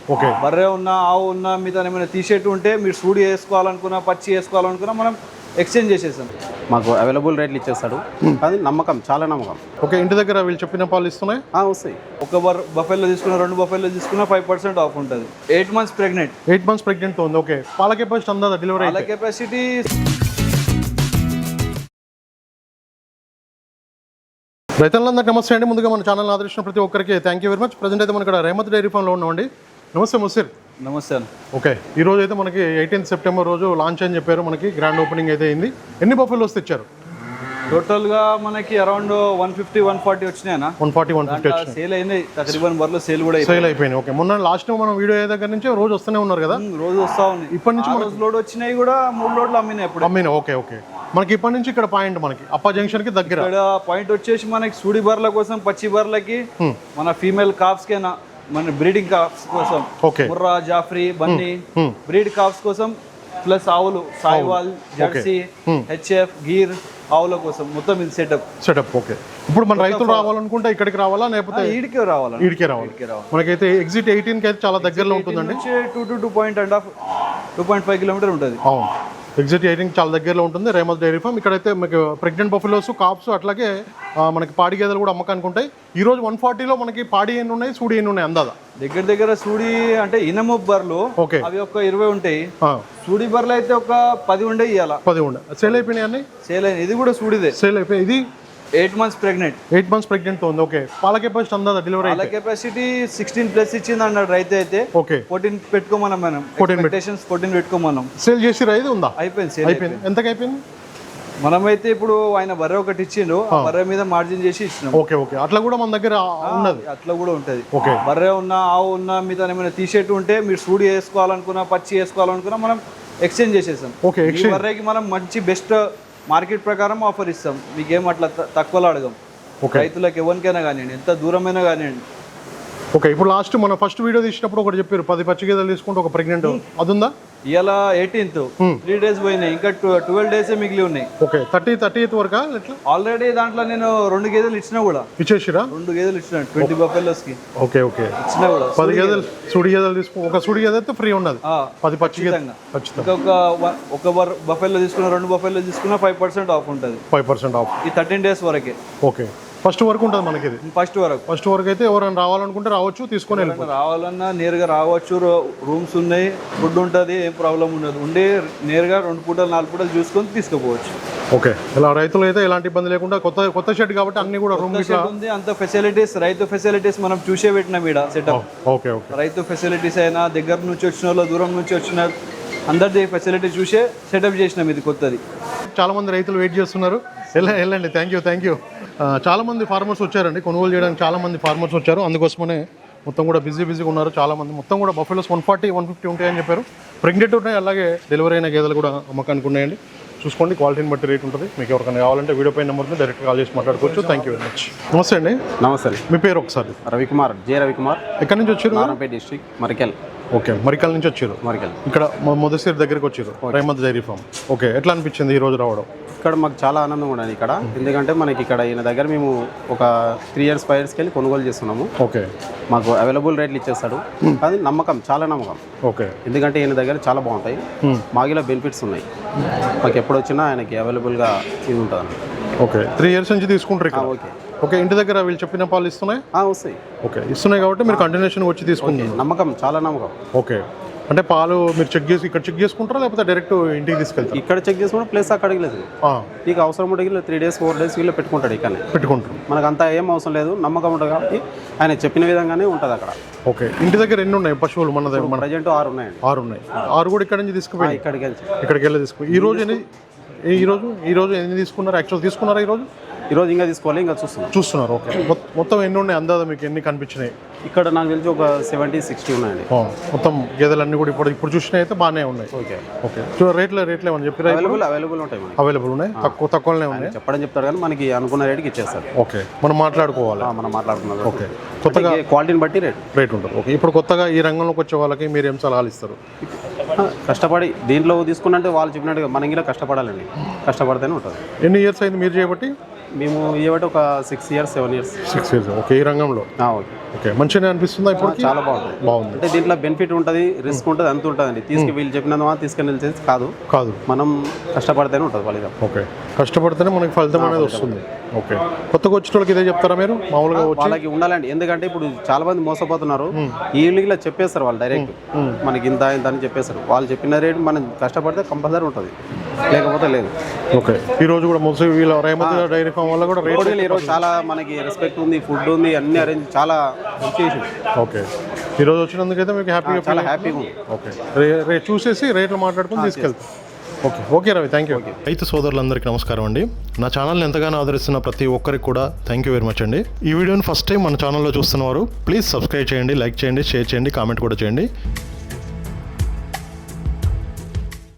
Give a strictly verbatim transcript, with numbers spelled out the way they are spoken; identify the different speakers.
Speaker 1: Okay.
Speaker 2: బర్రె ఉన్నా ఆవు ఉన్నా మీతో ఏమైనా తీసేట్టు ఉంటే మీరు సూడి వేసుకోవాలనుకున్నా పచ్చి వేసుకోవాలనుకున్నా మనం ఎక్స్చేంజ్ చేసేసాం.
Speaker 3: మాకు అవైలబుల్ రేట్లు ఇచ్చేస్తాడు. అది నమ్మకం, చాలా నమ్మకం.
Speaker 1: ఓకే. ఇంటి దగ్గర వీళ్ళు చెప్పిన పాలు ఇస్తున్నాయి
Speaker 3: వస్తాయి.
Speaker 2: ఒక బర్ బఫెల్లో తీసుకున్న రెండు బఫెల్లో తీసుకున్న ఫైవ్ పర్సెంట్ ఆఫ్ ఉంటుంది. Eight months pregnant
Speaker 1: eight months pregnant ఉంది. ఓకే. పాల కెపాసిటీ అందా డెలివరీ
Speaker 2: పాల కెపాసిటీ
Speaker 1: రైతులందరికీ నమస్తే అండి. ముందుగా మన ఛానల్ ఆదరించిన ప్రతి ఒక్కరికి thank you very much. Present అయితే మనం ఇక్కడ రెహమత్ డైరీ ఫామ్లో ఉన్నామండి. నమస్తే ముసిర్.
Speaker 2: నమస్తే అన్న.
Speaker 1: ఓకే. ఈ రోజు అయితే మనకి ఎయిటీన్త్ సెప్టెంబర్ రోజు లాంచ్ అని చెప్పారు. మనకి గ్రాండ్ ఓపెనింగ్ అయితే అయింది. ఎన్ని బఫెలోస్ తెచ్చారు?
Speaker 2: టోటల్గా మనకి around one fifty one forty వచ్చినాయన్నా.
Speaker 1: వన్ ఫార్టీ వన్ ఫిఫ్టీ వచ్చినాయి.
Speaker 2: సేల్ అయినాయి తకరీబన్ బర్రెలు సేల్ కూడా
Speaker 1: సేల్ అయిపోయినాయి. ఓకే. మొన్న లాస్ట్ మనం వీడియో అయ్యే దగ్గర నుంచి రోజు వస్తూనే ఉన్నారు కదా?
Speaker 2: రోజు వస్తా ఉంది.
Speaker 1: ఇప్పటి నుంచి
Speaker 2: రోజు లోడ్ వచ్చినాయి కూడా మూడు లోడ్లు అమ్మినాయి ఇప్పుడు.
Speaker 1: అమ్మినాయి. ఓకే. ఓకే. మనకి ఇప్పటి నుంచి ఇక్కడ పాయింట్ మనకి అప్ప జంక్షన్ కి దగ్గర
Speaker 2: ఇక్కడ పాయింట్ వచ్చేసి మనకి సూడి బర్రెల కోసం, పచ్చి బర్రెలకి, మన ఫీమేల్ కాఫ్స్ కేనా మన బ్రీడింగ్ కాఫ్స్ కోసం, ముర్రా, జాఫ్రీ, బన్నీ బ్రీడ్ కాఫ్స్ కోసం, ప్లస్ ఆవులు సాయివాల్, జెర్సీ, హెచ్ఎఫ్, గీర్ ఆవుల కోసం మొత్తం ఇది సెటప్ సెటప్
Speaker 1: ఓకే. ఇప్పుడు మన రైతులు రావాలనుకుంటే ఇక్కడికి రావాలా లేకపోతే
Speaker 2: ఈడికే రావాలా?
Speaker 1: ఈడికే రావాలి. మనకైతే ఎగ్జిట్ ఎయిటీన్ కి అయితే చాలా దగ్గరలో ఉంటుందండి.
Speaker 2: Two to two point and half two point five kilometre ఉంటుంది.
Speaker 1: అవును. ఎగ్జిట్ ఎయిటీన్ చాలా దగ్గరలో ఉంటుంది రెహమత్ డైరీ ఫామ్. ఇక్కడైతే మీకు ప్రెగ్నెంట్ బఫెలోస్, కాప్స్, అట్లాగే మనకి పాడి గేదెలు కూడా అమ్మకానికి ఉంటాయి. ఈ రోజు వన్ ఫార్టీలో మనకి పాడి ఎన్ని ఉన్నాయి, సూడి ఎన్ని ఉన్నాయి అందాదా?
Speaker 2: దగ్గర దగ్గర సూడి అంటే ఇనము బర్రెలు
Speaker 1: ఓకే
Speaker 2: అవి ఒక ఇరవై ఉంటాయి. సూడి బర్రెలు అయితే ఒక పది ఉండే ఇవ్వాల.
Speaker 1: పది ఉండే సేల్ అయిపోయినాయి అన్ని.
Speaker 2: సేల్ అయినాయి. ఇది కూడా సూడిదే
Speaker 1: సేల్ అయిపోయి. ఇది
Speaker 2: eight months pregnant
Speaker 1: eight months pregnant ఉంది. ఓకే. పాల కెపాసిటీ అందా డెలివరీ?
Speaker 2: పాల కెపాసిటీ సిక్స్టీన్ ప్లస్ ఇచ్చింది అన్నాడు రైతు అయితే.
Speaker 1: ఓకే.
Speaker 2: ఫోర్టీన్ పెట్టుకోమన్నాం మనం. Expectations fourteen పెట్టుకోమన్నాం.
Speaker 1: సేల్ చేసి రైతు ఉందా?
Speaker 2: అయిపోయింది. సేల్
Speaker 1: అయిపోయింది. ఎంతకి అయిపోయింది?
Speaker 2: మనమైతే ఇప్పుడు ఆయన బర్రె ఒకటి ఇచ్చిండు, బర్రె మీద మార్జిన్ చేసి ఇచ్చినాం.
Speaker 1: ఓకే. ఓకే. అట్లా కూడా మన దగ్గర ఉన్నది.
Speaker 2: అట్లా కూడా ఉంటది.
Speaker 1: ఓకే.
Speaker 2: బర్రె ఉన్నా ఆవు ఉన్నా మీతో ఏమైనా తీసేట్టు ఉంటే మీరు సూడి వేసుకోవాలనుకున్నా పచ్చి వేసుకోవాలనుకున్నా మనం ఎక్స్చేంజ్ చేసేసాం.
Speaker 1: ఓకే.
Speaker 2: ఈ బర్రెకి మనం మంచి బెస్ట్ మార్కెట్ ప్రకారం ఆఫర్ ఇస్తాం. మీకేం అట్లా తక్కువలో అడగం. రైతులకు ఎవరికైనా కానివ్వండి, ఎంత దూరమైనా కానివ్వండి.
Speaker 1: ఓకే. ఇప్పుడు లాస్ట్ మన ఫస్ట్ వీడియో తీసినప్పుడు ఒకటి చెప్పారు, పది పచ్చి గేదెలు తీసుకుంటే ఒక ప్రెగ్నెంట్ అది ఉందా?
Speaker 2: ఇవాళ ఎయిటీన్త్ త్రీ డేస్ పోయినాయి, ఇంకా ట్వెల్వ్ డేస్ మిగిలి ఉన్నాయి.
Speaker 1: ఓకే. థర్టీ థర్టీ ఎయిత్ వరకు
Speaker 2: ఆల్రెడీ దాంట్లో నేను రెండు గేదెలు ఇచ్చినా కూడా.
Speaker 1: ఇచ్చేసిరా?
Speaker 2: రెండు గేదెలు ఇచ్చిన ట్వంటీ బఫెలోస్ కి.
Speaker 1: ఓకే. ఓకే.
Speaker 2: ఇచ్చినా కూడా
Speaker 1: పది గేదెలు సుడి గేదెలు తీసుకో. ఒక సుడి గేదె అయితే ఫ్రీ ఉన్నది. పది పచ్చి గేదెలు
Speaker 2: ఒక ఒక బఫెల్లో తీసుకున్న రెండు బఫెల్లో తీసుకున్న ఫైవ్ పర్సెంట్ ఆఫ్ ఉంటుంది.
Speaker 1: ఫైవ్ పర్సెంట్ ఆఫ్
Speaker 2: ఈ థర్టీన్ డేస్ వరకే.
Speaker 1: ఓకే. ఫస్ట్ వరకు ఉంటుంది మనకి. ఇది
Speaker 2: ఫస్ట్ వరకు
Speaker 1: ఫస్ట్ వరకు అయితే ఎవరైనా రావాలనుకుంటే రావచ్చు, తీసుకొని
Speaker 2: రావాలన్నా నేరుగా రావచ్చు. రూమ్స్ ఉన్నాయి, ఫుడ్ ఉంటుంది, ఏం ప్రాబ్లం ఉండదు. ఉండే నేరుగా రెండు పూటలు నాలుగు పూటలు చూసుకొని తీసుకుపోవచ్చు.
Speaker 1: ఓకే. ఇలా రైతులు అయితే ఎలాంటి ఇబ్బంది లేకుండా కొత్త కొత్త షెడ్ కాబట్టి అన్ని కూడా రూమ్
Speaker 2: ఉంది. అంత ఫెసిలిటీస్, రైతు ఫెసిలిటీస్ మనం చూసే పెట్టినాం ఇక్కడ సెటప్.
Speaker 1: ఓకే. ఓకే.
Speaker 2: రైతు ఫెసిలిటీస్ అయినా దగ్గర నుంచి వచ్చిన వాళ్ళు, దూరం నుంచి వచ్చిన అందరిది ఫెసిలిటీ చూసే సెటప్ చేసినాం. ఇది కొత్తది.
Speaker 1: చాలా మంది రైతులు వెయిట్ చేస్తున్నారు. వెళ్ళండి. థ్యాంక్ యూ థ్యాంక్ యూ చాలా మంది ఫార్మర్స్ వచ్చారండి కొనుగోలు చేయడానికి. చాలా మంది ఫార్మర్స్ వచ్చారు, అందుకోసమనే మొత్తం కూడా బిజీ బిజీగా ఉన్నారు చాలా మంది. మొత్తం కూడా buffaloes one forty one fifty ఉంటాయని చెప్పారు. ప్రెగ్నెంట్ ఉన్నాయి, అలాగే డెలివరీ అయిన గేదెలు కూడా అమ్మకానికి ఉన్నాయండి. చూసుకోండి, క్వాలిటీని బట్టి రేట్ ఉంటుంది. మీకు ఎవరికైనా కావాలంటే వీడియో పై నెంబర్ని డైరెక్ట్ కాల్ చేసి మాట్లాడుకోవచ్చు. Thank you very much. నమస్తే అండి.
Speaker 3: నమస్తే.
Speaker 1: మీ పేరు ఒకసారి?
Speaker 3: రవికుమార్, జే రవికుమార్.
Speaker 1: ఎక్కడి నుంచి వచ్చారు?
Speaker 3: నారాయణపేట డిస్ట్రిక్ట్, మరికల్.
Speaker 1: ఓకే. మరికల్ నుంచి వచ్చారు.
Speaker 3: మరికల్
Speaker 1: ఇక్కడ మొదటిసారి దగ్గరికి వచ్చారు, రెహమత్ డైరీ ఫామ్. ఓకే. ఎట్లా అనిపించింది ఈ రోజు రావడం?
Speaker 3: ఇక్కడ మాకు చాలా ఆనందంగా ఉన్నది ఇక్కడ. ఎందుకంటే మనకి ఇక్కడ ఈయన దగ్గర మేము ఒక త్రీ ఇయర్స్ ఫైవ్ ఇయర్స్కి వెళ్ళి కొనుగోలు చేస్తున్నాము.
Speaker 1: ఓకే.
Speaker 3: మాకు అవైలబుల్ రేట్లు ఇచ్చేస్తాడు. అది నమ్మకం, చాలా నమ్మకం.
Speaker 1: ఓకే.
Speaker 3: ఎందుకంటే ఈయన దగ్గర చాలా బాగుంటాయి, మాగిలో బెనిఫిట్స్ ఉన్నాయి. మాకు ఎప్పుడు వచ్చినా ఆయనకి అవైలబుల్గా ఇది ఉంటుంది అన్నమాట.
Speaker 1: ఓకే. త్రీ ఇయర్స్ నుంచి తీసుకుంటారు ఇక్కడ?
Speaker 3: ఓకే.
Speaker 1: ఓకే. ఇంటి దగ్గర వీళ్ళు చెప్పిన పాలు ఇస్తున్నాయి?
Speaker 3: వస్తాయి.
Speaker 1: ఓకే. ఇస్తున్నాయి కాబట్టి మీరు కంటిన్యూషన్ వచ్చి తీసుకుంటారు.
Speaker 3: నమ్మకం, చాలా నమ్మకం.
Speaker 1: ఓకే. అంటే పాలు మీరు చెక్ చేసి ఇక్కడ చెక్ చేసుకుంటారా లేకపోతే డైరెక్ట్ ఇంటికి తీసుకెళ్తారు?
Speaker 3: ఇక్కడ చెక్ చేసుకుంటే ప్లేస్ అక్కడికి లేదు. నీకు అవసరం ఉంటే త్రీ డేస్ ఫోర్ డేస్ వీళ్ళు పెట్టుకుంటాడు. ఇక్కడ
Speaker 1: పెట్టుకుంటారు.
Speaker 3: మనకు అంతా ఏం అవసరం లేదు, నమ్మకం ఉంటుంది కాబట్టి ఆయన చెప్పిన విధంగానే ఉంటుంది అక్కడ.
Speaker 1: ఓకే. ఇంటి దగ్గర ఎన్ని ఉన్నాయి పశువులు? మన దగ్గర మన
Speaker 3: ప్రజెంట్ ఆరు ఉన్నాయండి.
Speaker 1: ఆరు ఉన్నాయి. ఆరు కూడా ఇక్కడ నుంచి తీసుకుపోయి
Speaker 3: ఇక్కడికి వెళ్ళి
Speaker 1: ఇక్కడికి వెళ్ళి తీసుకు. ఈ రోజు ఎన్ని ఈ రోజు ఈ రోజు ఎన్ని తీసుకున్నారు? యాక్చువల్ తీసుకున్నారా ఈ రోజు?
Speaker 3: ఈరోజు ఇంకా తీసుకోవాలి, ఇంకా చూస్తున్నాం
Speaker 1: చూస్తున్నారు. ఓకే. మొత్తం ఎన్ని ఉన్నాయి అందాదా మీకు? ఎన్ని కనిపించినాయి
Speaker 3: ఇక్కడ? నాకు తెలిసి ఒక సెవెంటీ సిక్స్టీ ఉన్నాయండి.
Speaker 1: మొత్తం గేదెలన్నీ కూడా ఇప్పుడు ఇప్పుడు చూసినా అయితే బాగానే ఉన్నాయి.
Speaker 3: ఓకే.
Speaker 1: ఓకే. రేట్లు రేట్లు ఏమని చెప్పారు?
Speaker 3: అవైలబుల్ అవైలబుల్ ఉంటాయి.
Speaker 1: అవైలబుల్ ఉన్నాయి, తక్కువ తక్కువనే ఉన్నాయి.
Speaker 3: చెప్పడం చెప్తారు కానీ మనకి అనుకున్న రేట్కి ఇచ్చేస్తారు.
Speaker 1: ఓకే. మనం మాట్లాడుకోవాలి.
Speaker 3: మనం మాట్లాడుకున్నాం.
Speaker 1: ఓకే. కొత్తగా
Speaker 3: క్వాలిటీని బట్టి రేట్
Speaker 1: రేట్ ఉంటుంది. ఓకే. ఇప్పుడు కొత్తగా ఈ రంగంలోకి వచ్చే వాళ్ళకి మీరు ఏం సలహాలు ఇస్తారు?
Speaker 3: కష్టపడి దీంట్లో తీసుకున్నట్టు వాళ్ళు చెప్పినట్టుగా మనం కూడా కష్టపడాలండి, కష్టపడితేనే ఉంటుంది.
Speaker 1: ఎన్ని ఇయర్స్ అయింది మీరు చేయబట్టి?
Speaker 3: మేము ఇవ్వబట్టి ఒక six years seven years
Speaker 1: six years okay. ఈ రంగంలో
Speaker 3: ఓకే
Speaker 1: ఓకే మంచిగా అనిపిస్తుందా ఇప్పుడు?
Speaker 3: చాలా బాగుంటుంది.
Speaker 1: బాగుంది.
Speaker 3: అంటే దీంట్లో బెనిఫిట్ ఉంటుంది, రిస్క్ ఉంటుంది, అంత ఉంటుందండి. తీసుకు వీళ్ళు చెప్పినందువా తీసుకుని వెళ్ళేది కాదు
Speaker 1: కాదు
Speaker 3: మనం కష్టపడితేనే ఉంటుంది ఫలితం.
Speaker 1: ఓకే కష్టపడితేనే మనకి ఫలితం అనేది వస్తుంది. ఓకే కొత్తగా వచ్చిన వాళ్ళకి ఇదే చెప్తారా మీరు మామూలుగా వచ్చి?
Speaker 3: వాళ్ళకి ఉండాలండి, ఎందుకంటే ఇప్పుడు చాలా మంది మోసపోతున్నారు. ఈ ఇల్లుగా చెప్పేస్తారు వాళ్ళు డైరెక్ట్ మనకి ఇంత ఇంత అని చెప్పేస్తారు. వాళ్ళు చెప్పిన రేటు మనం కష్టపడితే కంపల్సరీ ఉంటుంది, లేకపోతే లేదు.
Speaker 1: ఓకే ఈ రోజు కూడా ముసి వీళ్ళ రేమతి డైరీ ఫామ్ వల్ల కూడా రేట్
Speaker 3: ఈరోజు చాలా మనకి రెస్పెక్ట్ ఉంది, ఫుడ్ ఉంది, అన్ని అరేంజ్ చాలా చేసింది.
Speaker 1: ఓకే ఈ రోజు వచ్చినందుకైతే మీకు హ్యాపీగా
Speaker 3: చాలా హ్యాపీగా ఉంది.
Speaker 1: ఓకే రే రే చూసేసి రేట్లు మాట్లాడుకుని తీసుకెళ్తాం. Okay okay Ravi thank you. రైతు సోదరులందరికీ నమస్కారం అండి. నా ఛానల్ని ఎంతగానో ఆదరిస్తున్న ప్రతి ఒక్కరికి కూడా థ్యాంక్ యూ వెరీ మచ్ అండి. ఈ వీడియోని ఫస్ట్ టైం మన ఛానల్లో చూస్తున్నవారు ప్లీజ్ సబ్స్క్రైబ్ చేయండి, లైక్ చేయండి, షేర్ చేయండి, కామెంట్ కూడా చేయండి.